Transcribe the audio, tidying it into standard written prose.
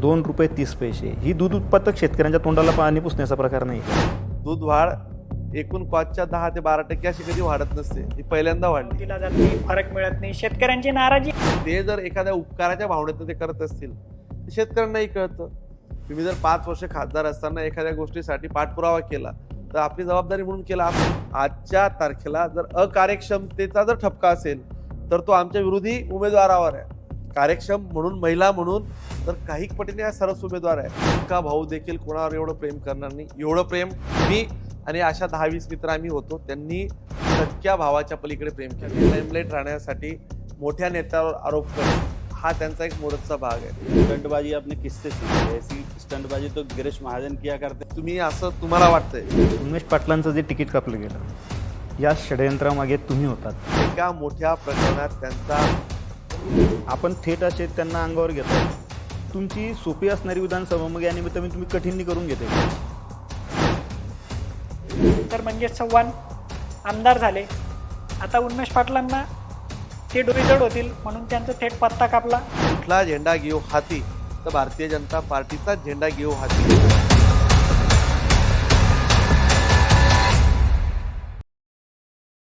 ₹2.30 ही दूध उत्पादक शेतकऱ्यांच्या तोंडाला पाणी पुसण्याचा प्रकार नाही. दूध वाढ एकूण कॉस्टच्या 10 ते 12% अशी कधी वाढत नसते, ही पहिल्यांदा वाढली. दिला जात नाही, फरक मिळत नाही, शेतकऱ्यांची नाराजी. ते जर एखाद्या उपकाराच्या भावनेतून ते करत असतील तर शेतकऱ्यांनाही कळतं. तुम्ही जर 5 वर्ष खासदार असताना एखाद्या गोष्टीसाठी पाठपुरावा केला तर आपली जबाबदारी म्हणून केला. आजच्या तारखेला जर अकार्यक्षमतेचा जर ठपका असेल तर तो आमच्या विरोधी उमेदवारावर आहे. कार्यक्षम म्हणून, महिला म्हणून तर काही पटीने हा सरस उमेदवार आहे. का भाऊ देखील कोणावर एवढं प्रेम करणार नाही. एवढं प्रेम मी आणि अशा 10-20 मित्र आम्ही होतो, त्यांनी सख्या भावाच्या पलीकडे प्रेम केलं. लाईमलाईट राहण्यासाठी मोठ्या नेत्यावर आरोप करणं हा त्यांचा एक मोरचा भाग आहे. स्टंटबाजी आपने किससे सीखी? ऐसी स्टंटबाजी तो गिरीश महाजन किया करते. तुम्ही असं तुम्हाला वाटतंय उमेश पाटलांचं जे तिकीट कापलं गेलं या षडयंत्रामागे तुम्ही होतात. एका मोठ्या प्रकरणात त्यांचा आपण थेट असे त्यांना अंगावर घेतो. तुमची सोपी असणारी विधानसभा मग यानिमित्त तुम्ही कठीण करून घेते. तर म्हणजे चव्हाण आमदार झाले, आता उन्मेष पाटलांना ते डोईजड होतील म्हणून त्यांचा थेट पत्ता कापला. कुठला झेंडा घेऊ हाती तर भारतीय जनता पार्टीचा झेंडा घेऊ हाती.